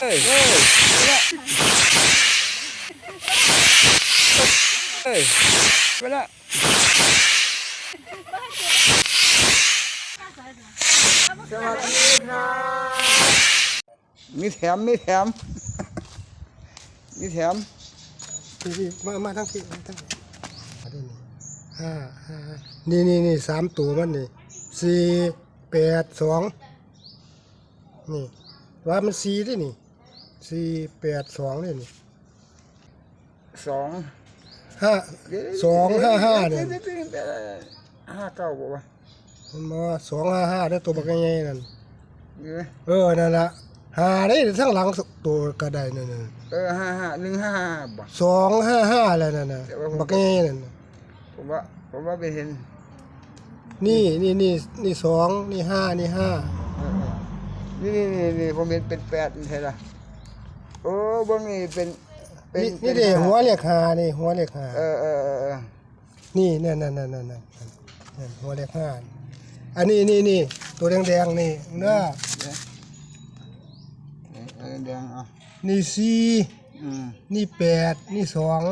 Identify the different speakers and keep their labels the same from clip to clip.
Speaker 1: ยเฮ้ยไปละสวัสดีครับมีแถมมีแถม
Speaker 2: พี่มาทั้งพี่ทั้งนี่สามตัวมันนี่482นี่ว่ามัน4ด้วยนี่482เลยนี่255เนี่ย
Speaker 1: 59บอกว่า
Speaker 2: มันมา255ได้ตัวบักใหญ่ๆนั่นนั่นละหาได้ทั้งหลังตัวก็ได้นั่น
Speaker 1: 155บ่
Speaker 2: 255แล้วนั่นน่ะบักใหญ่นั่น
Speaker 1: ผมว่าไปเห็น
Speaker 2: นี่2นี่5นี่5
Speaker 1: นี่ผมเห็นเป็น8ใช่ล่ะโอ้บ่นี่เป็น
Speaker 2: นี่เด้หัวเลข5นี่หัวเลข5นี่นั่นหัวเลข5อันนี้ตัวแดงๆนี่เด้อ
Speaker 1: แดงอ่ะ
Speaker 2: นี่4นี่8นี่2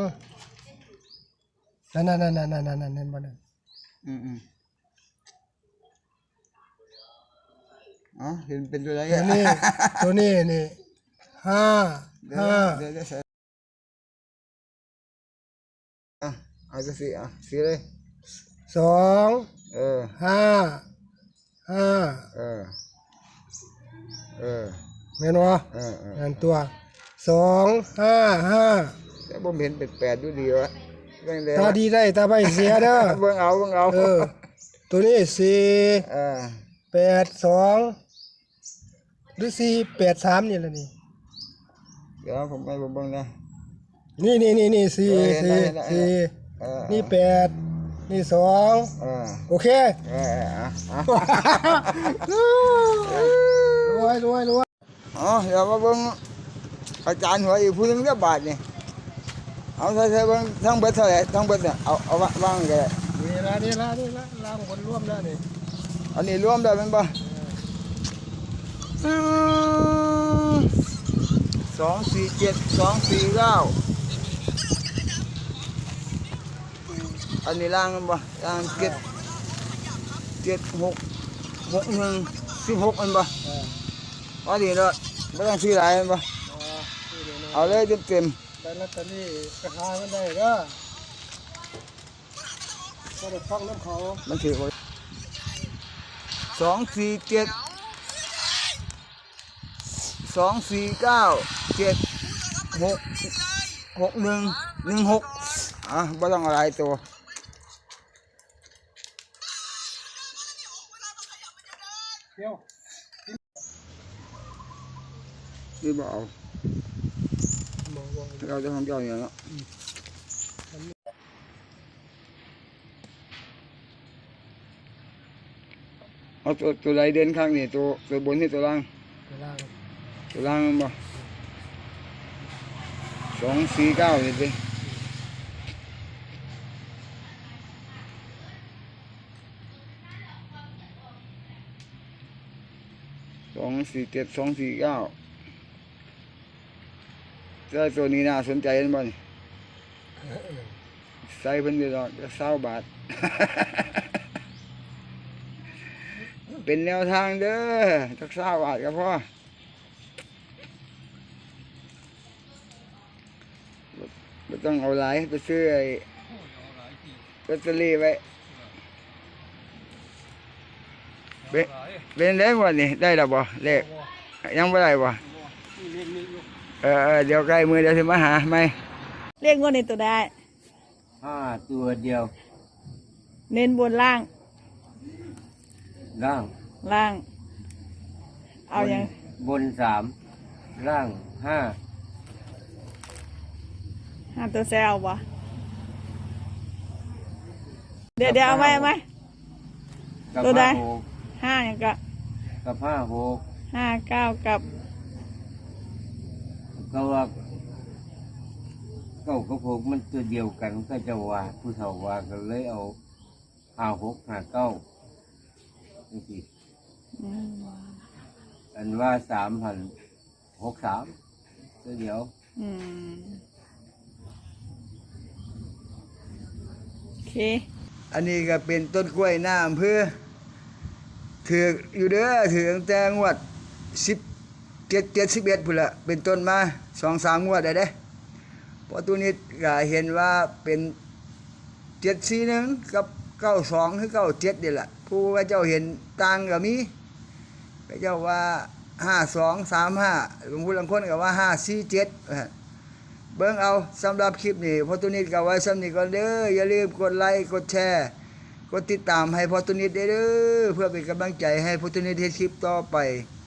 Speaker 2: นั่นเห็นบ่นั่น
Speaker 1: เห็นเป็นตัวอะไร
Speaker 2: ตัวนี้นี่5
Speaker 1: เอาจะสีเลย
Speaker 2: 2 5แม่นบ่นั่นตัว255
Speaker 1: แต่ผมเห็นเป็น8อยู่ดีวะ
Speaker 2: ตาดีได้ตาไม่เสียเด้อ
Speaker 1: เบิ่งเอา
Speaker 2: ตัวนี้482หรือ483นี่ล่ะนี่
Speaker 1: เดี๋ยวผมไปเบิ่งนะ
Speaker 2: นี่4นี่8นี่2โอเครวย
Speaker 1: เดี๋ยวมาเบิ่งอาจารย์หัวอีกผู้นึงเรียบบาทนี่เอาใส่เบิ่งทั้งเบิดเท่าไหร่ทั้งเบิดเนี่ยเอาวางกันเลย
Speaker 2: นี่ละล้างคนร่วมแล้วนี่
Speaker 1: อันนี้รวมได้เป็นป่ะ247 249อันนี้ล่างกันป่ะล่าง766116มันป่ะอันนี้ละไม่ต้องซื้อหลายมันป่ะเอาเลยเต็ม
Speaker 2: แต่ละตัวนี้กระทามันได้เด้อก็ได้ฟังน้ำเขา
Speaker 1: มันถือไว้247 249 766116ไม่ต้องอะไรตัวนี่บ่เอาเราจะทำเจ้าอย่างนี้เอาตัวไรเด่นข้างนี่ตัวบนนี่ตัวล่างมันบ่249นี่สิ247 249แต่ตัวนี้น่าสนใจนะบ่นี่ใส่เพิ่นอยู่ดอก20 บาท เป็นแนวทางเด้อจัก20 บาทก็พอไม่ต้องเอาหลายไปซื้อไอ้ลอตเตอรี่ไว้เป็นเลขวันนี้ได้หรือบ่เลขยังไม่ได้บ่เดี๋ยวใกล้มือเดี๋ยวจะมาหาไหม
Speaker 3: เรียกงวดในตัวได้
Speaker 4: 5 ตัวเดียว
Speaker 3: เน้นบนล่าง เอาอย่าง
Speaker 4: บน3ล่าง5
Speaker 3: ตัวแซววะเดี๋ยวเอาไหมตัวได้5อย่างกับ59กับ
Speaker 4: ก็ว่ากับ6มันตัวเดียวกันก็จะว่าผู้เฒ่าว่ากันเลยเอา56 59นี่อันว่า3,063 ตัวเดียว
Speaker 3: อืมโอเค
Speaker 1: อันนี้ก็เป็นต้นกล้วยหน้าอำเภอถืออยู่เด้อถือตั้งแต่งวด11พุ่นละเป็นต้นมา 2-3 งวดได้เด้พอตัวนี้ก็เห็นว่าเป็น741กับ92หรือ97นี่แหละผู้ว่าเจ้าเห็นต่างก็มีพระเจ้าว่า5235บางผู้บางคนก็ว่า547เบิ่งเอาสำหรับคลิปนี้พอตัวนี้ก็ไว้สำนี้ก่อนเด้ออย่าลืมกดไลค์กดแชร์กดติดตามให้พอตัวนี้เด้อเพื่อเป็นกำลังใจให้พอตัวนี้เฮ็ดคลิปต่อไป